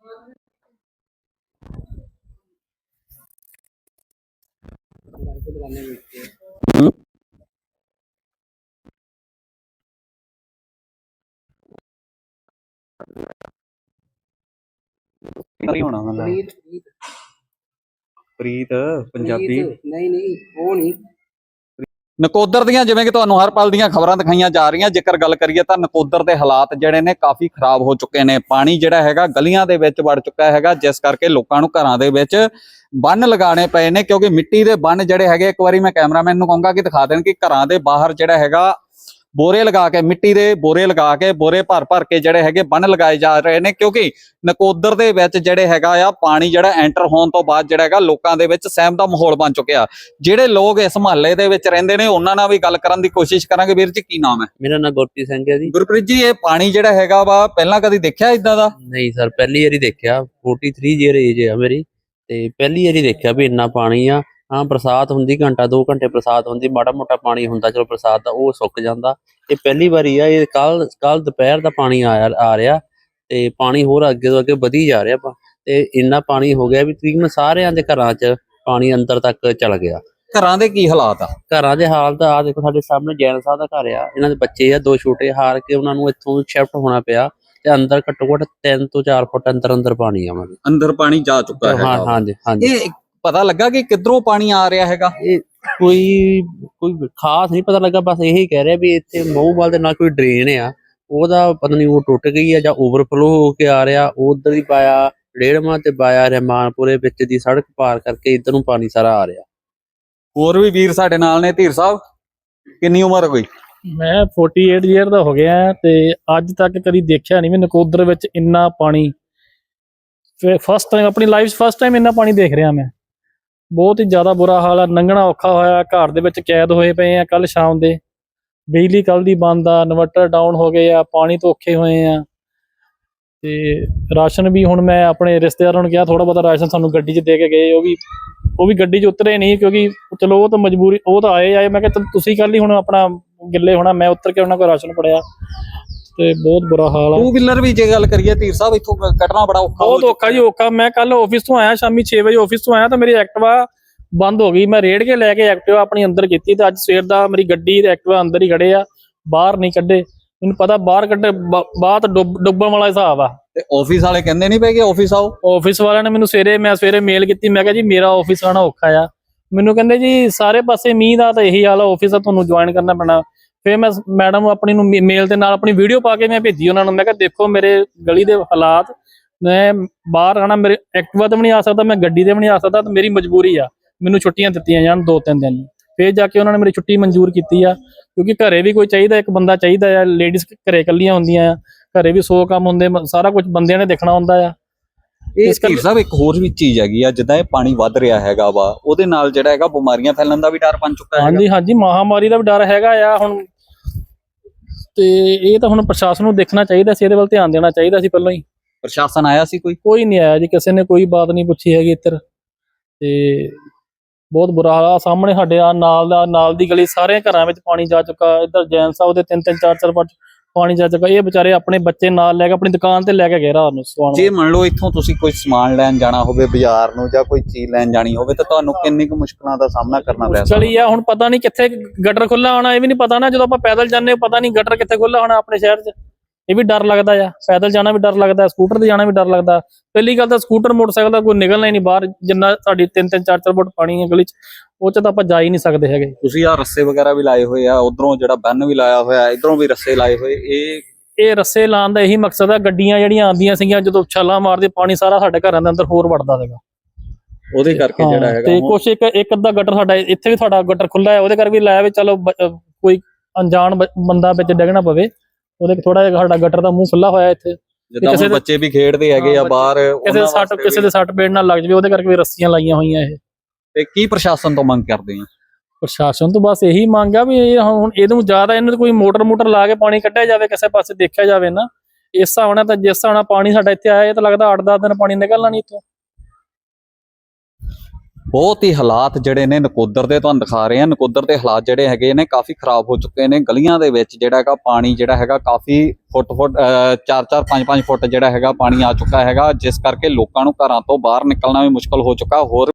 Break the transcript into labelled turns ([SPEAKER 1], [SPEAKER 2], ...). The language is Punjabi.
[SPEAKER 1] ਹੋਣਾ ਪ੍ਰੀਤ ਪੰਜਾਬੀ ਨਹੀਂ ਉਹ ਨਹੀਂ। ਨਕੋਦਰ ਦੀਆਂ ਜਿਵੇਂ ਕਿ ਤੁਹਾਨੂੰ ਹਰ ਪਲ ਦੀਆਂ ਖਬਰਾਂ ਦਿਖਾਈਆਂ ਜਾ ਰਹੀਆਂ। ਜੇਕਰ ਗੱਲ ਕਰੀਏ ਤਾਂ ਨਕੋਦਰ ਦੇ ਹਾਲਾਤ ਜਿਹੜੇ ਨੇ ਕਾਫੀ ਖਰਾਬ ਹੋ ਚੁੱਕੇ ਨੇ। ਪਾਣੀ ਜਿਹੜਾ ਹੈਗਾ ਗਲੀਆਂ ਦੇ ਵਿੱਚ ਵੜ ਚੁੱਕਾ ਹੈਗਾ, ਜਿਸ ਕਰਕੇ ਲੋਕਾਂ ਨੂੰ ਘਰਾਂ ਦੇ ਵਿੱਚ ਬੰਨ ਲਗਾਉਣੇ ਪਏ ਨੇ, ਕਿਉਂਕਿ ਮਿੱਟੀ ਦੇ ਬੰਨ ਜਿਹੜੇ ਹੈਗੇ, ਇੱਕ ਵਾਰੀ ਮੈਂ ਕੈਮਰਾਮੈਨ ਨੂੰ ਕਹੂੰਗਾ ਕਿ ਦਿਖਾ ਦੇਣ ਕਿ ਘਰਾਂ ਦੇ ਬਾਹਰ ਜਿਹੜਾ ਹੈਗਾ ਬੋਰੇ ਲਗਾ ਕੇ, ਮਿੱਟੀ ਦੇ ਬੋਰੇ ਲਗਾ ਕੇ, ਬੋਰੇ ਭਰ ਭਰ ਕੇ ਜਿਹੜੇ ਹੈਗੇ ਬੰਨ ਲਗਾਏ ਜਾ ਰਹੇ ਨੇ, ਕਿਉਂਕਿ ਨਕੋਦਰ ਦੇ ਵਿੱਚ ਜਿਹੜੇ ਹੈਗਾ ਆ ਪਾਣੀ ਜਿਹੜਾ ਐਂਟਰ ਹੋਣ ਤੋਂ ਬਾਅਦ ਜਿਹੜਾ ਹੈਗਾ ਲੋਕਾਂ ਦੇ ਵਿੱਚ ਸਹਿਮ ਦਾ ਮਾਹੌਲ ਬਣ ਚੁੱਕਿਆ। ਜਿਹੜੇ ਲੋਕ ਇਸ ਮੁਹੱਲੇ ਦੇ ਵਿੱਚ ਰਹਿੰਦੇ ਨੇ ਉਹਨਾਂ ਨਾਲ ਵੀ ਗੱਲ ਕਰਨ ਦੀ ਕੋਸ਼ਿਸ਼ ਕਰਾਂਗੇ। ਵੀਰ ਜੀ ਕੀ ਨਾਮ ਹੈ?
[SPEAKER 2] ਮੇਰਾ ਨਾਮ ਗੁਰਪ੍ਰੀਤ ਸਿੰਘ ਹੈ ਜੀ।
[SPEAKER 1] ਗੁਰਪ੍ਰੀਤ ਜੀ, ਇਹ ਪਾਣੀ ਜਿਹੜਾ ਹੈਗਾ ਵਾ ਪਹਿਲਾਂ ਕਦੀ ਦੇਖਿਆ ਇਦਾਂ ਦਾ?
[SPEAKER 2] ਨਹੀਂ ਸਰ, ਪਹਿਲੀ ਵਾਰੀ ਦੇਖਿਆ। 43 ਈਅਰ ਏਜ ਆ ਮੇਰੀ, ਤੇ ਪਹਿਲੀ ਵਾਰੀ ਦੇਖਿਆ ਵੀ ਇੰਨਾ ਪਾਣੀ ਆ। ਹਾਂ, ਬਰਸਾਤ ਹੁੰਦੀ ਘੰਟਾ 2 ਘੰਟੇ ਬਰਸਾਤ ਹੁੰਦੀ, ਮਾੜਾ ਮੋਟਾ ਪਾਣੀ ਹੁੰਦਾ, ਚਲੋ ਬਰਸਾਤ ਦਾ ਉਹ ਸੁੱਕ ਜਾਂਦਾ। ਇਹ ਪਹਿਲੀ ਵਾਰੀ ਆ। ਇਹ ਕੱਲ ਦੁਪਹਿਰ ਦਾ ਪਾਣੀ ਆ ਰਿਹਾ, ਤੇ ਪਾਣੀ ਹੋਰ ਅੱਗੇ ਤੋਂ ਅੱਗੇ ਵਧੀ ਜਾ ਰਿਹਾ ਤੇ ਇੰਨਾ ਪਾਣੀ ਹੋ ਗਿਆ ਵੀ ਤਕਰੀਬਨ ਸਾਰਿਆਂ ਦੇ ਘਰਾਂ 'ਚ ਪਾਣੀ ਅੰਦਰ ਤੱਕ ਚਲ ਗਿਆ।
[SPEAKER 1] ਘਰਾਂ ਦੇ ਕੀ ਹਾਲਾਤ ਆ?
[SPEAKER 2] ਘਰਾਂ ਦੇ ਹਾਲਤ ਆ ਦੇਖੋ, ਸਾਡੇ ਸਾਹਮਣੇ ਜੈਨ ਸਾਹਿਬ ਦਾ ਘਰ ਆ, ਇਹਨਾਂ ਦੇ ਬੱਚੇ ਆ 2 ਛੋਟੇ, ਹਾਰ ਕੇ ਉਹਨਾਂ ਨੂੰ ਇੱਥੋਂ ਸ਼ਿਫਟ ਹੋਣਾ ਪਿਆ, ਤੇ ਅੰਦਰ ਘੱਟੋ ਘੱਟ 3 ਤੋਂ 4 ਫੁੱਟ ਅੰਦਰ ਪਾਣੀ ਆ।
[SPEAKER 1] ਅੰਦਰ ਪਾਣੀ ਜਾ ਚੁੱਕਾ ਹੈ?
[SPEAKER 2] ਹਾਂਜੀ ਹਾਂਜੀ।
[SPEAKER 1] ਇਹ ਪਤਾ ਲੱਗਾ ਕਿ ਕਿੱਧਰੋਂ ਪਾਣੀ ਆ ਰਿਹਾ ਹੈਗਾ?
[SPEAKER 2] ਇਹ ਕੋਈ ਖਾਸ ਨਹੀਂ ਪਤਾ ਲੱਗਾ, ਬਸ ਇਹੀ ਕਹਿ ਰਿਹਾ ਵੀ ਇੱਥੇ ਮਹੂਵਾਲ ਦੇ ਨਾਲ ਕੋਈ ਡਰੇਨ ਆ, ਉਹਦਾ ਪਤਾ ਨਹੀਂ ਉਹ ਟੁੱਟ ਗਈ ਆ ਜਾਂ ਓਵਰਫਲੋ ਹੋ ਕੇ ਆ ਰਿਹਾ, ਉਧਰ ਹੀ ਪਾਇਆ ਡੇੜਮਾ ਤੇ ਪਾਇਆ ਰਹਿਮਾਨਪੁਰੇ ਵਿੱਚ ਦੀ ਸੜਕ ਪਾਰ ਕਰਕੇ ਇੱਧਰ ਨੂੰ ਪਾਣੀ ਸਾਰਾ ਆ ਰਿਹਾ।
[SPEAKER 1] ਹੋਰ ਵੀ ਵੀਰ ਸਾਡੇ ਨਾਲ ਨੇ। ਧੀਰ ਸਾਹਿਬ, ਕਿੰਨੀ ਉਮਰ ਹੋਈ?
[SPEAKER 3] ਮੈਂ 48 ਈਅਰ ਦਾ ਹੋ ਗਿਆ, ਤੇ ਅੱਜ ਤੱਕ ਕਦੀ ਦੇਖਿਆ ਨਹੀਂ ਵੀ ਨਕੋਦਰ ਵਿੱਚ ਇੰਨਾ ਪਾਣੀ। ਫਸਟ ਟਾਈਮ ਆਪਣੀ ਲਾਈਫ 'ਚ ਫਸਟ ਟਾਈਮ ਇੰਨਾ ਪਾਣੀ ਦੇਖ ਰਿਹਾ ਮੈਂ। ਬਹੁਤ ਹੀ ਜ਼ਿਆਦਾ ਬੁਰਾ ਹਾਲ ਆ, ਲੰਘਣਾ ਔਖਾ ਹੋਇਆ। ਘਰ ਦੇ ਵਿੱਚ ਕੈਦ ਹੋਏ ਪਏ ਆ। ਕੱਲ ਸ਼ਾਮ ਦੇ ਬਿਜਲੀ ਕੱਲ ਦੀ ਬੰਦ ਆ, ਇਨਵਰਟਰ ਡਾਊਨ ਹੋ ਗਏ ਆ, ਪਾਣੀ ਤੋਂ ਔਖੇ ਹੋਏ ਆ। ਤੇ ਰਾਸ਼ਨ ਵੀ ਹੁਣ ਮੈਂ ਆਪਣੇ ਰਿਸ਼ਤੇਦਾਰਾਂ ਨੂੰ ਕਿਹਾ ਥੋੜਾ ਬਹੁਤਾ ਰਾਸ਼ਨ ਸਾਨੂੰ ਗੱਡੀ 'ਚ ਦੇ ਕੇ ਗਏ। ਉਹ ਵੀ ਗੱਡੀ 'ਚ ਉਤਰੇ ਨਹੀਂ, ਕਿਉਂਕਿ ਚਲੋ ਉਹ ਤਾਂ ਮਜਬੂਰੀ, ਉਹ ਤਾਂ ਆਏ ਮੈਂ ਕਿਹਾ ਤੁਸੀਂ ਕੱਲ ਹੀ ਹੁਣ ਆਪਣਾ ਗਿੱਲੇ ਹੋਣਾ, ਮੈਂ ਉਤਰ ਕੇ ਉਹਨਾਂ ਕੋਲ ਰਾਸ਼ਨ ਫੜਿਆ। ਤੇ ਬਹੁਤ ਬੁਰਾ ਹਾਲ ਆ।
[SPEAKER 1] 2 ਵੀਲਰ ਵੀ ਜੇ ਗੱਲ ਕਰੀਏ ਧੀਰ ਸਾਹਿਬ, ਇੱਥੋਂ ਕੱਢਣਾ ਬੜਾ ਔਖਾ,
[SPEAKER 3] ਬਹੁਤ ਔਖਾ ਜੀ, ਔਖਾ। ਮੈਂ ਕੱਲ ਆਫਿਸ ਤੋਂ ਆਇਆ, ਸ਼ਾਮੀ 6 ਵਜੇ ਆਫਿਸ ਤੋਂ ਆਇਆ, ਤਾਂ ਮੇਰੀ ਐਕਟਿਵਾ ਬੰਦ ਹੋ ਗਈ। ਮੈਂ ਰੇੜ ਕੇ ਲੈ ਕੇ ਐਕਟਿਵਾ ਆਪਣੀ ਅੰਦਰ ਕੀਤੀ, ਤੇ ਅੱਜ ਸਵੇਰ ਦਾ ਮੇਰੀ ਗੱਡੀ ਤੇ ਐਕਟਿਵਾ ਅੰਦਰ ਹੀ ਖੜੇ ਆ, ਬਾਹਰ ਨਹੀਂ ਕੱਢੇ। ਮੈਨੂੰ ਪਤਾ ਬਾਹਰ ਕੱਢੇ ਬਾਅਦ ਡੁੱਬਣ ਵਾਲਾ ਹਿਸਾਬ ਆ।
[SPEAKER 1] ਤੇ ਆਫਿਸ ਵਾਲੇ ਕਹਿੰਦੇ ਨਹੀਂ ਪਏ ਕਿ ਆਫਿਸ ਆਓ?
[SPEAKER 3] ਆਫਿਸ ਵਾਲਿਆਂ ਨੇ ਮੈਨੂੰ ਸਵੇਰੇ ਮੇਲ ਕੀਤੀ। ਮੈਂ ਕਿਹਾ ਜੀ ਮੇਰਾ ਆਫਿਸ ਆਉਣਾ ਔਖਾ ਆ। ਮੈਨੂੰ ਕਹਿੰਦੇ ਜੀ ਸਾਰੇ ਪਾਸੇ ਮੀਂਹ ਦਾ ਤਾਂ ਇਹੀ ਹਾਲ ਆ, ਆਫਿਸ ਆ ਤੁਹਾਨੂੰ ਜੁਆਇਨ ਕਰਨਾ ਪੈਣਾ। ਫਿਰ ਮੈਂ ਮੈਡਮ ਆਪਣੀ ਨੂੰ ਮੇਲ ਦੇ ਨਾਲ ਆਪਣੀ ਵੀਡੀਓ ਪਾ ਕੇ ਮੈਂ ਭੇਜੀ ਉਹਨਾਂ ਨੂੰ। ਮੈਂ ਕਿਹਾ ਦੇਖੋ ਮੇਰੇ ਗਲੀ ਦੇ ਹਾਲਾਤ, ਮੈਂ ਬਾਹਰ ਆਣਾ, ਮੇਰੇ ਐਕਟਿਵਾ ਤੇ ਵੀ ਨਹੀਂ ਆ ਸਕਦਾ, ਮੈਂ ਗੱਡੀ ਤੇ ਵੀ ਨਹੀਂ ਆ ਸਕਦਾ, ਤੇ ਮੇਰੀ ਮਜਬੂਰੀ ਆ। ਮੈਨੂੰ ਛੁੱਟੀਆਂ ਦਿੱਤੀਆਂ ਜਾਣ 2-3 ਦਿਨ। ਫਿਰ ਜਾ ਕੇ ਉਹਨਾਂ ਨੇ ਮੇਰੀ ਛੁੱਟੀ ਮਨਜ਼ੂਰ ਕੀਤੀ ਆ, ਕਿਉਂਕਿ ਘਰੇ ਵੀ ਕੋਈ ਚਾਹੀਦਾ, ਇੱਕ ਬੰਦਾ ਚਾਹੀਦਾ ਆ। ਲੇਡੀਜ਼ ਘਰੇ ਇਕੱਲੀਆਂ ਹੁੰਦੀਆਂ ਆ, ਘਰੇ ਵੀ 100 ਕੰਮ ਹੁੰਦੇ, ਸਾਰਾ ਕੁਝ ਬੰਦਿਆਂ ਨੇ ਦੇਖਣਾ ਹੁੰਦਾ ਆ।
[SPEAKER 1] ਇਹ ਧੀਰ ਸਾਹਿਬ, ਇੱਕ ਹੋਰ ਵੀ ਚੀਜ਼ ਹੈਗੀ ਆ, ਜਿੱਦਾਂ ਇਹ ਪਾਣੀ ਵੱਧ ਰਿਹਾ ਹੈਗਾ ਵਾ, ਉਹਦੇ ਨਾਲ ਜਿਹੜਾ ਹੈਗਾ ਬਿਮਾਰੀਆਂ ਫੈਲਣ ਦਾ ਵੀ ਡਰ ਬਣ ਚੁੱਕਾ ਹੈ।
[SPEAKER 3] ਹਾਂਜੀ ਹਾਂਜੀ, ਮਹਾਮਾਰੀ ਦਾ ਵੀ ਡਰ ਹੈਗਾ ਆ ਹੁਣ। ਤੇ ਇਹ ਤਾਂ ਹੁਣ ਪ੍ਰਸ਼ਾਸਨ ਨੂੰ ਦੇਖਣਾ ਚਾਹੀਦਾ ਸੀ, ਇਹਦੇ ਵੱਲ ਧਿਆਨ ਦੇਣਾ ਚਾਹੀਦਾ ਸੀ ਪਹਿਲਾਂ ਹੀ।
[SPEAKER 1] ਪ੍ਰਸ਼ਾਸਨ ਆਇਆ ਸੀ? ਕੋਈ
[SPEAKER 3] ਨਹੀਂ ਆਇਆ ਜੀ, ਕਿਸੇ ਨੇ ਕੋਈ ਬਾਤ ਨਹੀਂ ਪੁੱਛੀ ਹੈਗੀ ਇੱਧਰ। ਤੇ ਬਹੁਤ ਬੁਰਾ ਹਾਲ ਆ। ਸਾਹਮਣੇ ਸਾਡੇ ਨਾਲ ਦੀ ਗਲੀ, ਸਾਰੇ ਘਰਾਂ ਵਿੱਚ ਪਾਣੀ ਜਾ ਚੁੱਕਾ। ਇੱਧਰ ਜੈਨ ਸਾਹਿਬ ਦੇ 3-3 4-4 ਫੁੱਟ ਪਾਣੀ ਜਾ ਚੁੱਕਾ। ਇਹ ਵਿਚਾਰੇ ਆਪਣੇ ਬੱਚੇ ਨਾਲ ਲੈ ਕੇ ਆਪਣੀ ਦੁਕਾਨ ਤੇ ਲੈ ਕੇ ਗਏ ਰਾਤ ਨੂੰ ਸੌਣ।
[SPEAKER 1] ਜੇ ਮੰਨ ਲਓ ਇੱਥੋਂ ਤੁਸੀਂ ਕੋਈ ਸਮਾਨ ਲੈਣ ਜਾਣਾ ਹੋਵੇ ਬਾਜ਼ਾਰ ਨੂੰ, ਜਾਂ ਕੋਈ ਚੀਜ਼ ਲੈਣ ਜਾਣੀ ਹੋਵੇ, ਤਾਂ ਤੁਹਾਨੂੰ ਕਿੰਨੀ ਕੁ ਮੁਸ਼ਕਲਾਂ ਦਾ ਸਾਹਮਣਾ ਕਰਨਾ ਪੈ ਸਕਦਾ?
[SPEAKER 3] ਚਲੀ ਆ ਹੁਣ, ਪਤਾ ਨਹੀਂ ਕਿੱਥੇ ਗਟਰ ਖੁੱਲਾ ਹੋਣਾ, ਇਹ ਵੀ ਨਹੀਂ ਪਤਾ ਨਾ। ਜਦੋਂ ਆਪਾਂ ਪੈਦਲ ਜਾਂਦੇ, ਪਤਾ ਨਹੀਂ ਗਟਰ ਕਿੱਥੇ ਖੁੱਲਾ ਹੋਣਾ ਆਪਣੇ ਸ਼ਹਿਰ 'ਚ। ਇਹ ਵੀ ਡਰ ਲੱਗਦਾ ਆ। ਪੈਦਲ ਜਾਣਾ ਵੀ ਡਰ ਲੱਗਦਾ, ਸਕੂਟਰ ਤੇ ਜਾਣਾ ਵੀ ਡਰ ਲੱਗਦਾ। ਪਹਿਲੀ ਗੱਲ ਤਾਂ ਸਕੂਟਰ ਮੋਟਰਸਾਈਕਲ ਦਾ ਕੋਈ ਨਿਕਲਣਾ ਹੀ ਨਹੀਂ ਬਾਹਰ, ਜਿੰਨਾ ਸਾਡੀ 3-3 4-4 ਫੁੱਟ ਪਾਣੀ ਹੈ ਗਲੀ 'ਚ, ਉਹ 'ਚ ਤਾਂ ਆਪਾਂ ਜਾ ਹੀ ਨਹੀਂ ਸਕਦੇ ਹੈਗੇ।
[SPEAKER 1] ਤੁਸੀਂ ਆਹ ਰੱਸੇ ਵਗੈਰਾ ਵੀ ਲਾਏ ਹੋਏ ਆ, ਉਧਰੋਂ ਜਿਹੜਾ ਬੰਨ ਵੀ ਲਾਇਆ ਹੋਇਆ, ਇਧਰੋਂ ਵੀ ਰੱਸੇ ਲਾਏ ਹੋਏ।
[SPEAKER 3] ਇਹ ਰੱਸੇ ਲਾਉਣ ਦਾ ਇਹੀ ਮਕਸਦ ਆ, ਗੱਡੀਆਂ ਜਿਹੜੀਆਂ ਆਉਂਦੀਆਂ ਸੀਗੀਆਂ ਜਦੋਂ ਛਾਲਾਂ ਮਾਰਦੇ, ਪਾਣੀ ਸਾਰਾ ਸਾਡੇ ਘਰਾਂ ਦੇ ਅੰਦਰ ਹੋਰ ਵੜਦਾ ਸੀਗਾ,
[SPEAKER 1] ਉਹਦੇ ਕਰਕੇ ਜਿਹੜਾ ਹੈਗਾ।
[SPEAKER 3] ਤੇ ਕੁਛ ਇੱਕ ਅੱਧਾ ਗਟਰ ਸਾਡਾ ਇੱਥੇ ਵੀ, ਸਾਡਾ ਗਟਰ ਖੁੱਲਾ ਹੈ, ਉਹਦੇ ਕਰਕੇ ਵੀ ਲਾਇਆ ਵੀ ਚਲੋ ਕੋਈ ਅਣਜਾਣ ਬੰਦਾ ਵਿੱਚ ਡਿੱਗਣਾ ਪਵੇ, ਉਹਦੇ ਥੋੜਾ ਜਿਹਾ ਸਾਡਾ ਗਟਰ ਦਾ ਮੂੰਹ ਖੁੱਲਾ ਹੋਇਆ ਇੱਥੇ।
[SPEAKER 1] ਜਿੱਦਾਂ ਬੱਚੇ ਵੀ ਖੇਡਦੇ ਹੈਗੇ ਆ ਬਾਹਰ,
[SPEAKER 3] ਕਿਸੇ ਦੇ ਸੱਟ ਪੇੜ ਨਾਲ ਲੱਗ ਜਾਵੇ, ਉਹਦੇ ਕਰਕੇ ਵੀ ਰੱਸੀਆਂ ਲਾਈਆਂ ਹੋਈਆਂ ਇਹ।
[SPEAKER 1] ਤੇ ਕੀ ਪ੍ਰਸ਼ਾਸਨ ਤੋਂ ਮੰਗ ਕਰਦੇ ਆ?
[SPEAKER 3] ਪ੍ਰਸ਼ਾਸਨ ਤੋਂ ਬਸ ਇਹੀ ਮੰਗ ਆ ਵੀ ਇਹ ਹੁਣ ਇਹਨੂੰ ਜ਼ਿਆਦਾ, ਇਹਨੂੰ ਕੋਈ ਮੋਟਰ ਲਾ ਕੇ ਪਾਣੀ ਕੱਢਿਆ ਜਾਵੇ, ਕਿਸੇ ਪਾਸੇ ਦੇਖਿਆ ਜਾਵੇ ਨਾ। ਇਸ ਹਿਸਾਬ ਨਾਲ ਤਾਂ, ਜਿਸ ਹਿਸਾਬ ਨਾਲ ਪਾਣੀ ਸਾਡਾ ਇੱਥੇ ਆਇਆ, ਇਹ ਤਾਂ ਲੱਗਦਾ 8-10 ਦਿਨ ਪਾਣੀ ਨਿਕਲਣਾ ਨਹੀਂ ਇੱਥੋਂ।
[SPEAKER 1] ਬਹੁਤ ਹੀ ਹਾਲਾਤ ਜਿਹੜੇ ਨੇ ਨਕੋਦਰ ਦੇ ਤੁਹਾਨੂੰ ਦਿਖਾ ਰਹੇ ਆ। ਨਕੋਦਰ ਦੇ ਹਾਲਾਤ ਜਿਹੜੇ ਹੈਗੇ ਨੇ ਕਾਫੀ ਖਰਾਬ ਹੋ ਚੁੱਕੇ ਨੇ। ਗਲੀਆਂ ਦੇ ਵਿੱਚ ਜਿਹੜਾ ਹੈਗਾ ਪਾਣੀ ਜਿਹੜਾ ਹੈਗਾ ਕਾਫੀ ਫੁੱਟ 4-4 5-5 ਫੁੱਟ ਜਿਹੜਾ ਹੈਗਾ ਪਾਣੀ ਆ ਚੁੱਕਾ ਹੈਗਾ, ਜਿਸ ਕਰਕੇ ਲੋਕਾਂ ਨੂੰ ਘਰਾਂ ਤੋਂ ਬਾਹਰ ਨਿਕਲਣਾ ਵੀ ਮੁਸ਼ਕਲ ਹੋ ਚੁੱਕਾ। ਹੋਰ